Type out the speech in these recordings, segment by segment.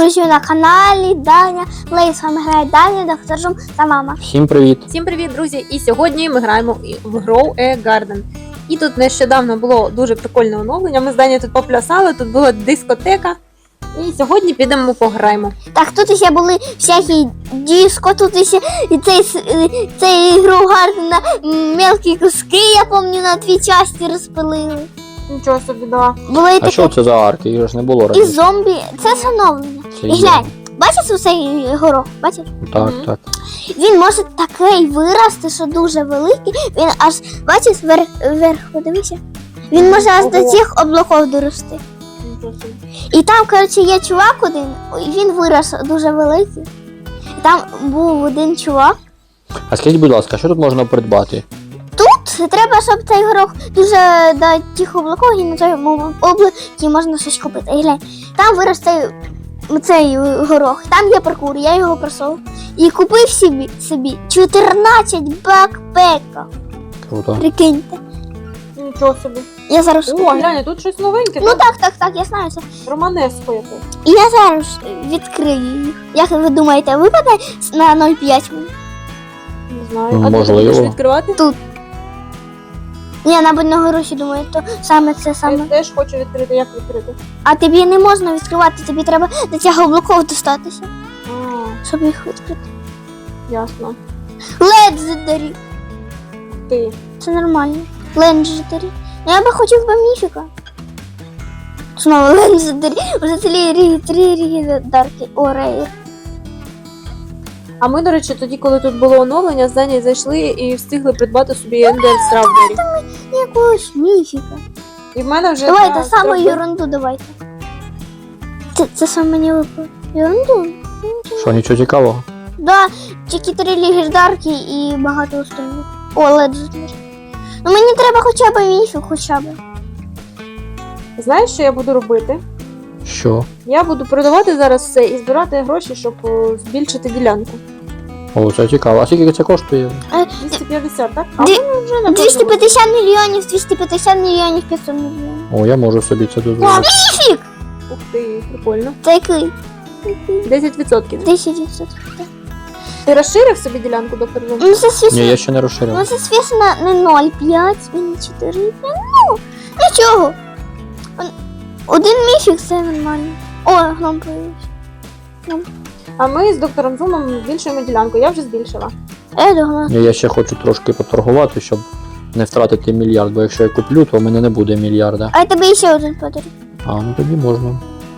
друзі, на каналі Даня Плей. З вами грає Даня, доктор Жум та мама. Всім привіт! Всім привіт, друзі! І сьогодні ми граємо в Grow a Garden. І тут нещодавно було дуже прикольне оновлення. Ми з Дані тут поплясали, тут була дискотека. І сьогодні підемо пограємо. Так, тут ще були всякі диско, тут ще і цей Grow Garden на мелкі куски, я пам'ятаю, на 2 частини розпилили. Нічого собі, да. Були і А такі що це за арки? Їх ж не було і раніше. зомбі. Це встановлення. Це І є. глянь, бачиш оцей горох? Бачиш? Так, Мгм. так. Він може такий вирости, що дуже великий. Він аж, бачиш, вверх, подивися. Він може аж до Ого. цих облаків дорости. Нічого собі. І там, коротше, є чувак один, і він вирос дуже великий. І там був один чувак. А скажіть, будь ласка, що тут можна придбати? Тут треба, щоб цей горох дуже до тих облаків, і на цьому облакі можна щось купити. І глянь, там вирос цей горох, там є паркур, я його просов. І купив собі 14 бакпека. Круто. Прикиньте. Нічого собі. Я зараз О, куплю. глянь, тут щось новеньке. Ну так, я знаю це. Романеско якесь. І я зараз відкрию їх. Як ви думаєте, випаде на 0,5 мені? Не знаю. Ну, А ти можливо. будеш відкривати? Ні, мабуть, на гроші думаю, то саме це Я саме. теж хочу відкрити. Як відкрити? А тобі не можна відкривати, тобі треба до цього облаков достатися, А, щоб їх відкрити. ясно. Legendary. Ти. Це нормально. Legendary. Ну, я би хотів би міфіка. Знову Legendary. Вже три ріги О, рейр. А ми, до речі, тоді, коли тут було оновлення, з Дані зайшли і встигли придбати собі Ender Strawberry. Якогось міфіка. І в мене вже... Давайте на саму Strawberry- ерунду давайте. Це саме мені випало. Ерунду? Що, нічого цікавого? Да, тільки 3 легендарки і багато остальних. О, Legendary. Ну мені треба хоча б міфік, хоча б. Знаєш, що я буду робити? Що? Я буду продавати зараз все і збирати гроші, щоб збільшити ділянку. О, це цікаво. А скільки це коштує? 250, так? А Дві- в мене вже напевно 250 мільйонів, 250 мільйонів, 500 мільйонів. О, я можу собі це дозволити. Міфік! Ух ти, прикольно. Це який? 10%. 10%. Ти розширив собі ділянку, доктор Зум? Ну це звісно, Ні, я ще не розширив. ну це звісно не 0,5 і не 4. Ну, нічого. Один міфік це нормально. О, гном появився. А ми з доктором Зумом збільшуємо ділянку. Я вже збільшила. Я думала. Ні, я ще хочу трошки поторгувати, щоб не втратити мільярд, бо якщо я куплю, то в мене не буде мільярда. А я тобі ще один подарю. А, ну тоді можна.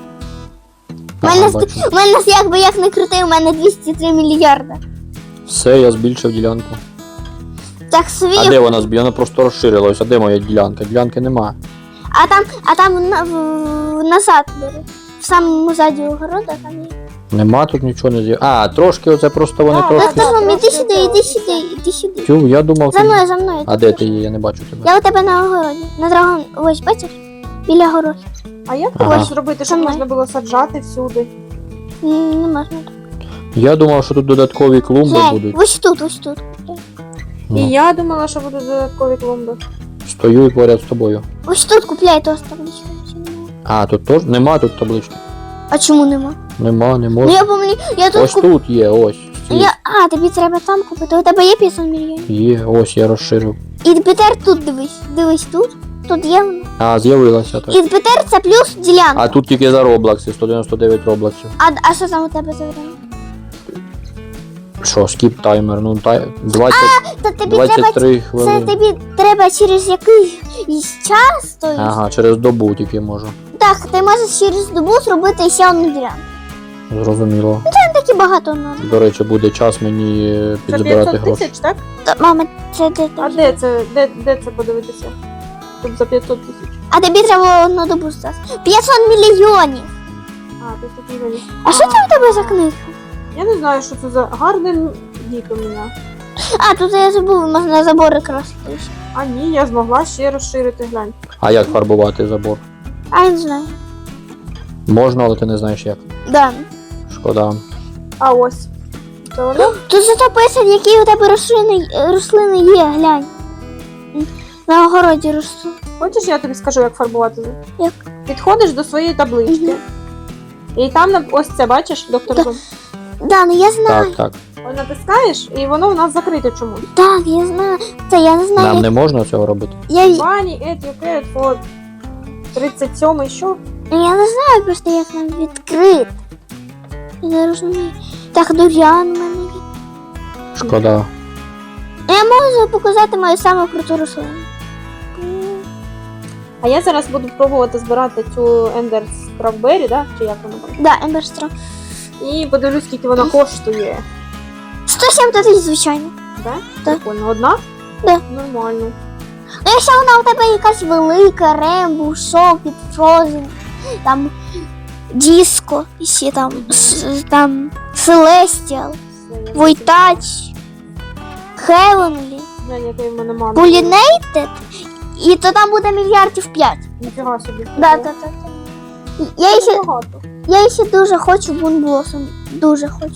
У мене, Ага, бачу. у мене якби як не крути, у мене 203 мільярда. Все, я збільшив ділянку. Так свій. А де вона збільшила? Вона просто розширилась. А де моя ділянка? Ділянки нема. А там назад бери. В самому заді огорода там є. Нема тут нічого не з'явилося. А, трошки оце просто вони Так, трошки. так. Доктор, іди трошки сюди, іди сюди, іди сюди. Тю, я думав, За ти... мною, за мною. А де ти є? Я не бачу тебе. Я у тебе на огороді. На драгон. Ось, бачиш? Біля городу. А як ти Ага. хочеш зробити, щоб Сама. можна було саджати всюди? Не можна так. Я думав, що тут додаткові клумби Глянь, будуть. ось тут, ось тут. Ну, І я думала, що будуть додаткові клумби. Стою поряд з тобою. Ось тут купляй то табличку. А, тут теж нема тут таблички. А чому нема? Нема, не Ну можна. я пам'ятаю, я тут Ось тут є, ось. А, тобі треба там купити. У тебе є 500 мільйонів. Є, ось я розширив. І тепер тут дивись. Дивись тут. Тут є воно. А, з'явилася так. І тепер це плюс ділянка. А тут тільки за роблакси, 199 роблаксів. А що там у тебе за время? Що, скіп таймер, ну 20, Та тобі треба 23 це хвилини. тобі треба через якийсь час, то Ага, через добу тільки можу. так, ти можеш через добу зробити ще одну ділянку. Зрозуміло. Там таки багато надо. До речі, буде час мені Це підзбирати 500 гроші. тисяч, так? Мама, це де А ти? де це? Де це подивитися? Тут за 500 тисяч. А тобі треба одну добу зараз. 500 мільйонів. А, 500 мільйонів. А що це у тебе за книга? Я не знаю, що це за гарний дік у мене. А, тут я забув, можна забори красити. А ні, я змогла ще розширити, глянь. А як фарбувати забор? А я не знаю. Можна, але ти не знаєш як. Да. Шкода. А ось. Це воно? Тут зато писано, які у тебе рослини є, глянь. На огороді ростуть. Хочеш, я тобі скажу, як фарбувати? Як? Підходиш до своєї таблички. Мгм. І там ось це, бачиш, доктор Так. Зум? Да, ну я знаю. Так, так. Ось натискаєш, і воно у нас закрите чомусь. Так, я знаю. Це я не знаю. Нам як- не можна цього робити. Бані, етюкет, от 37-й, що? Я не знаю просто, як нам відкрити. Я не розумію. Так, дурян у мене є. Шкода. Я можу показати мою саму круту рослину. А я зараз буду пробувати збирати цю Ендер Стrawberry, да? Чи як вона там? Да, Емберстра. І подивлюсь, скільки вона коштує. 107 тисяч, звичайно. Да? Так. Прикольно. Одна? Да. Нормально. Ну, якщо вона у тебе якась велика, Рембу, Шокіт, Фрозен, там Диско, і ще там, там Селестіал, Все, я Войтач, Хевенлі, знаю, який в мене мама. Полінейтед, і то там буде мільярдів 5. Ніфіга собі. Да, да, да. Це багато. Я ще дуже хочу Бунблосом. Дуже хочу.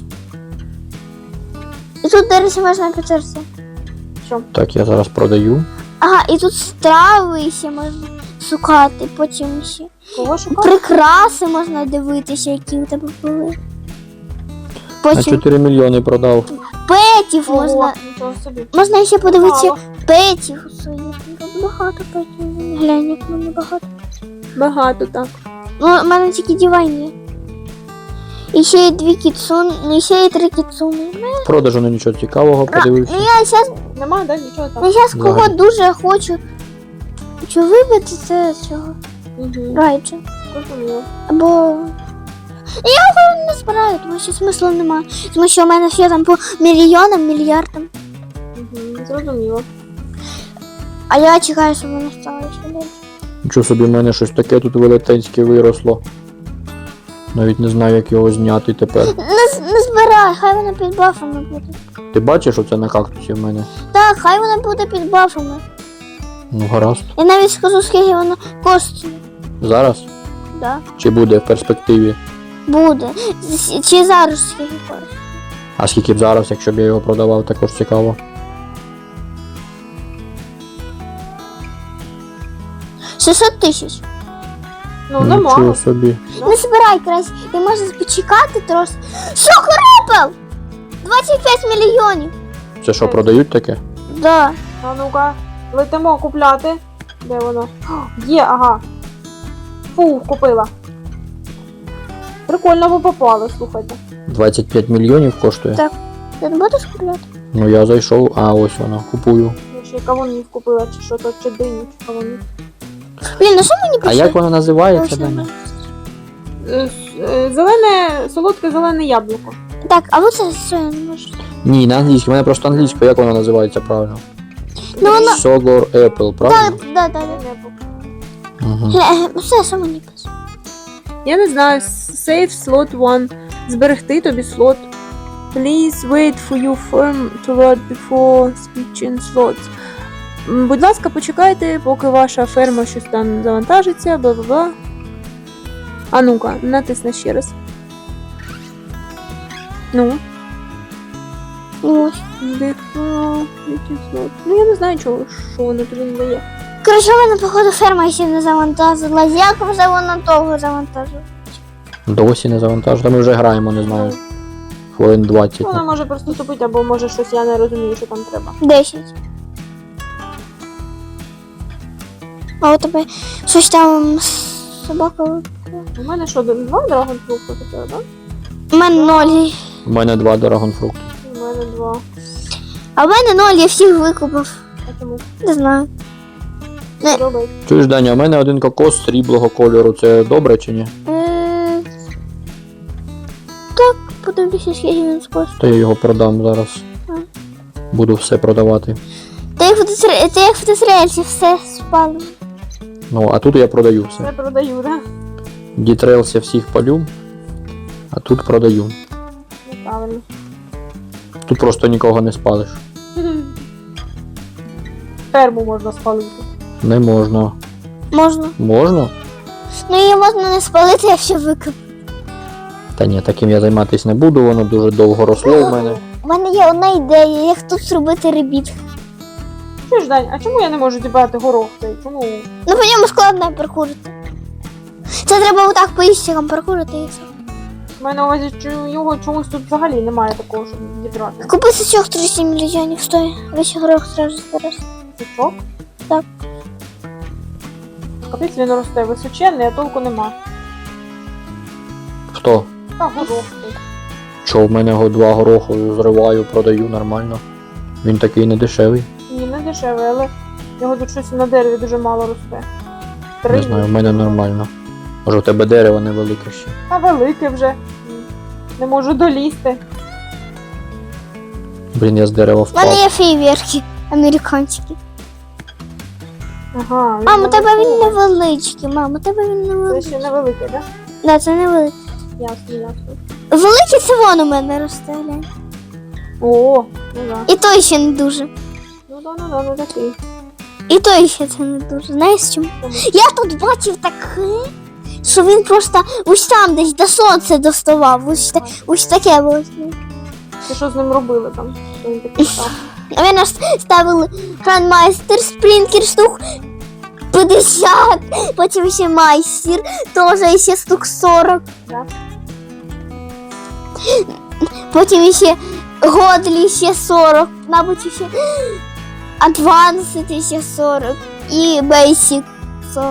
І тут, до речі, можна підтерся. Що? Так, я зараз продаю. Ага, і тут страви ще можна шукати, потім ще. Кого шукати? Прикраси можна дивитися, які у тебе були. На Потім 4 мільйони продав. петів Ого, можна. нічого собі. Можна ще подивитися Мало. петів своїх. Тут багато петів. Глянь, як в мене багато. Багато, так. Ну, у мене тільки дівайні. І ще є 2 кіцуни, і ще є 3 кіцуни. В продажу не нічого цікавого, подивився. Ну я зараз Нема, да? Нічого там. кого Взагалі. дуже хочу вибити, це цього Угу. Райджа. Зрозуміло. Або я його не збираю, тому що смислу немає. Тому що у мене все там по мільйонам, мільярдам. Угу. Зрозуміло. А я чекаю, щоб воно стало ще більше. Нічого собі, в мене щось таке тут велетенське виросло. Навіть не знаю, як його зняти тепер. Не збирай, хай воно під бафами буде. Ти бачиш оце на кактусі в мене? Так, хай воно буде під бафами. Ну гаразд. Я навіть скажу, скільки воно коштує. Зараз? Да. Чи буде в перспективі? Буде. Чи зараз скільки коштує? А скільки б зараз, якщо б я його продавав, також цікаво. 600 тисяч. Ну, Нічого немало. собі. Не збирай краще, ти можеш почекати трошки. Сокорепел! 25 мільйонів. Це що, продають таке? Да. А ну-ка, летимо купляти. Де воно? О, є, ага. Фу, купила. Прикольно ви попали, слухайте. 25 мільйонів коштує? Так. Ти не будеш купляти? Ну я зайшов, а ось воно, купую. Я ще й кавунів купила, чи що то, чи диню, чи кавунів. Блін, ну що мені А пише? як воно називається, Точно. Даня? Зелене, солодке зелене яблуко. Так, а оце що я не можу? Ні, на англійській, в мене просто англійською, як воно називається правильно? Ну воно. Sogor Apple, Так, правильно? да, да, да. Угу. Все, що мені пише? Я не знаю, save slot 1. Зберегти тобі слот. Please wait for your firm to load before switching slots. Будь ласка, почекайте, поки ваша ферма щось там завантажиться, бла-бла-бла. А ну-ка, натисни ще раз. Ну, Ну, ось. switching slot. Ну я не знаю, що воно тобі не дає. Коротше, в мене, походу, ферма ще не завантажила. Як вже вона довго завантажила? Досі не завантажено, ми вже граємо, не знаю. Хвилин 20. Вона може просто тупити, або може щось я не розумію, що там треба. 10. А у тебе щось там собака. У мене що, 2 драгонфрукти таке, так? У мене 0. У мене 2 драгонфрукти. У мене 2. А в мене 0, я всіх викупив. А чому? Не знаю. Робить. Чуєш, Даня, у мене один кокос сріблого кольору, це добре чи ні? Так, подивлюся, скільки він коштує. То я його продам зараз. Буду все продавати. Ти як в Десрельсі все спали. Ну, а тут я продаю Все все. продаю, так? Дітрейлс я всіх палю, а тут продаю. Неправильно. Тут просто нікого не спалиш. Ферму можна спалити. Не можна. Можна. Можна? Ну її можна не спалити, якщо викуп. Та ні, таким я займатися не буду, воно дуже довго росло в мене. У мене є одна ідея, як тут зробити ребіт. Що ж, Дань, а чому я не можу зібрати горох цей? Чому? Ну по ньому складно паркурити. Це треба отак по іщикам паркурити і все. Маю на увазі, що його чогось тут взагалі немає такого, щоб зібрати. Купи сачок 37 мільйонів стоїть. Весь горох зразу збереш. Сучок? Так. Капець він росте височенний, а толку нема. Хто? Та горох тут. Що в мене його 2 гороху зриваю, продаю нормально. Він такий не дешевий. Ні, не дешевий, але його тут щось на дереві дуже мало росте. Не знаю, в мене нормально. Може в тебе дерево невелике ще. Та велике вже. Не можу долізти. Блін, я з дерева У мене впав. є фейверки американські. Ага. Мам, у тебе він невеликий. невеличкий, мам, у тебе він Це невеличкий. ще невеликий, так? Да, це невеликий. Ясно, ясно. Великий це вон у мене росте, глянь. О, ну да. І той ще не дуже. Ну да, не такий. І той ще це не дуже. Знаєш чому? Чому? Я тут бачив таке, що він просто ось там десь до сонця доставав. Ось таке було. Ти що з ним робили там? Що він такий став? А ви нас ставили грандмайстер, спрінкер штук 50, потім ще майстер, теж ще штук 40. Да? Потім ще Годлі ще 40, мабуть, ще Advanced ще 40 і Basic 40.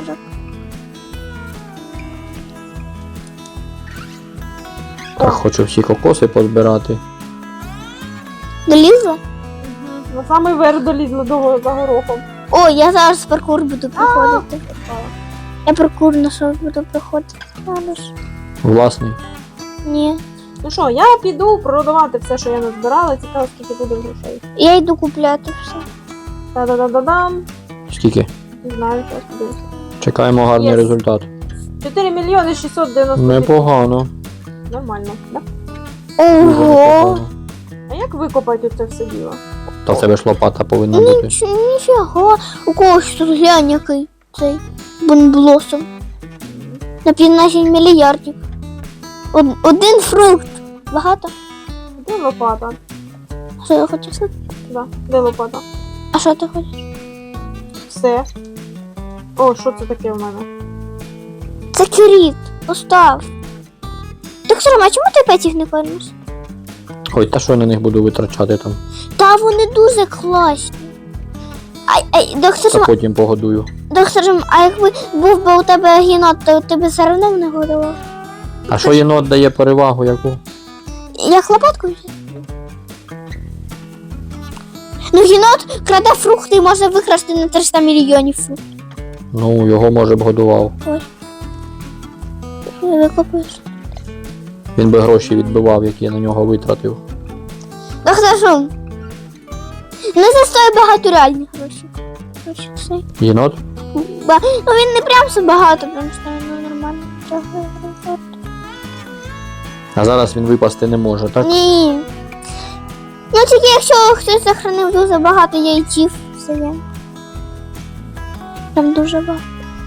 Так, хочу всі кокоси позбирати. Долізла? На самий верх долізли до за горохом. О, я зараз паркур буду проходити. Я паркур знайшов, буду проходити. Зараз. Власний. Ні. Ну що, я піду продавати все, що я назбирала. Цікаво, скільки буде грошей. Я йду купляти все. Та-да-да-да-дам. Скільки? Не знаю, зараз подивимося. Чекаємо гарний Єс. результат. 4 мільйони 690 тисяч. Непогано. Нормально, да? Дуже Ого! непогано. А як викопати це все діло? Та в тебе ж лопата повинна бути. Ніфіга. У когось тут глянь який цей бонблосом. На 15 мільярдів. Один фрукт. Багато? Де лопата? Що я хочу сказати? Да, де лопата? А що ти хочеш? Все. О, що це таке в мене? Це кріт. Постав. Доктор, а чому ти опять їх не кормиш? Ой, та що я на них буду витрачати там? Та вони дуже класні. Доктор, Та потім погодую. а якби був би у тебе гінот, то ти б все одно не годував. А що єнот дає перевагу яку? Як лопатку взяти? Ну, гінот краде фрукти і може викрасти на 300 мільйонів фруктів. Ну, його може б годував. Викопаєш. Він би гроші відбивав, які я на нього витратив. Доктор Шум. Не застоює багато реальних грошей. Гроші все. Єнот? Ну він не прям все багато, прям що ну, нормально. А зараз він випасти не може, так? Ні. Ну тільки якщо хтось захоронив дуже багато яйців, все є. Прям дуже багато.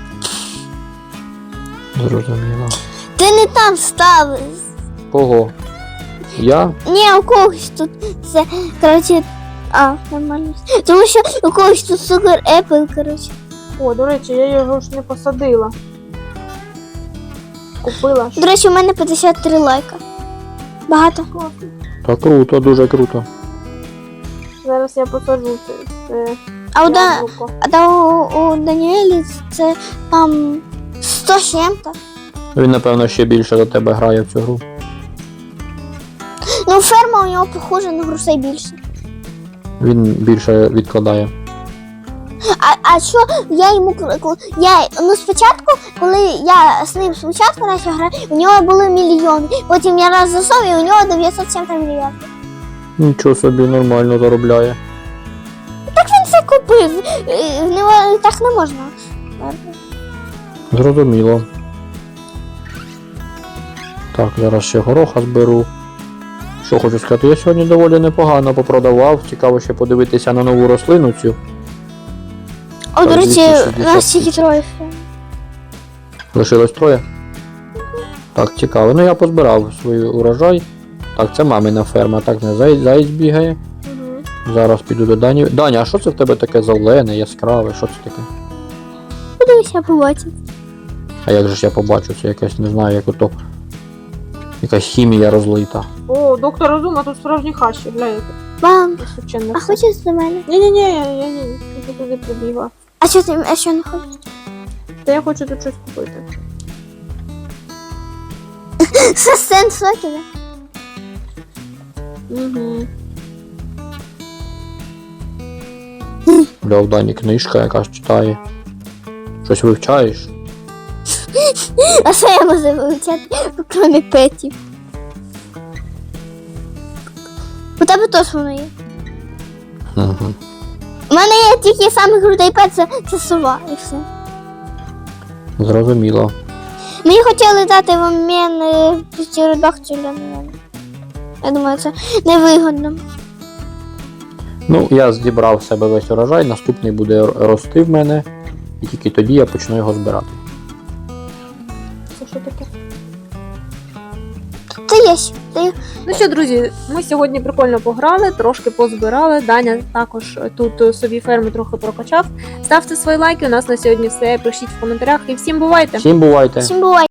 Зрозуміло. Ти не там ставиш. Кого? Я? Ні, у когось тут це, коротше, нормально. Тому що у когось тут супер Apple, коротше. О, до речі, я його ж не посадила. Купила ж. До речі, у мене 53 лайка. Багато. Класно. Та круто, дуже круто. Зараз я посаджу це А у, яблуко. у Даніелі це там 100 з чим-то. Він, напевно, ще більше до тебе грає в цю гру. Ну, ферма у нього похожа на грошей більше. Він більше відкладає. А що я йому спочатку, коли я з ним спочатку почав грати, у нього були мільйони. Потім я раз засов і у нього 907 мільярдів. Нічого собі, нормально заробляє. Він це купив. В нього так не можна. Зрозуміло. Так, зараз ще гороха зберу. Що хочу сказати, я сьогодні доволі непогано попродавав. Цікаво ще подивитися на нову рослину цю. О, до Так, речі, 260 у нас тільки троє. Лишилось 3. Так, цікаво. Ну я позбирав свій урожай. Так, це мамина ферма, так не заєць бігає. Угу. Зараз піду до Дані. Даня, а що це в тебе таке зелене, яскраве? Що це таке? Подивися, побачив. А як же ж я побачу, це якесь, не знаю, як ото Якась хімія розлита. О, доктор Розума, тут справжні хащі, гляньте. Мам, Височенне а все. хочеш до мене? Ні-ні-ні, я туди прибігла. А що не хочеш? Та я хочу тут щось купити. Це сен соки, да? Угу. Бля, в Дані книжка якась читає. Щось вивчаєш? А що я можу вивчати, крім петів? У тебе теж воно є. Угу. У мене є тільки самий крутий пет, це сова і все. Зрозуміло. Мені хотіли дати в обмін птеродактиля, але я думаю, це невигодно. Ну, я зібрав в себе весь урожай, наступний буде рости в мене, і тільки тоді я почну його збирати. Це що таке? Це є ще. Ну що, друзі, ми сьогодні прикольно пограли, трошки позбирали. Даня також тут собі ферму трохи прокачав. Ставте свої лайки, у нас на сьогодні все. Пишіть в коментарях і всім бувайте! Всім бувайте! Всім буває.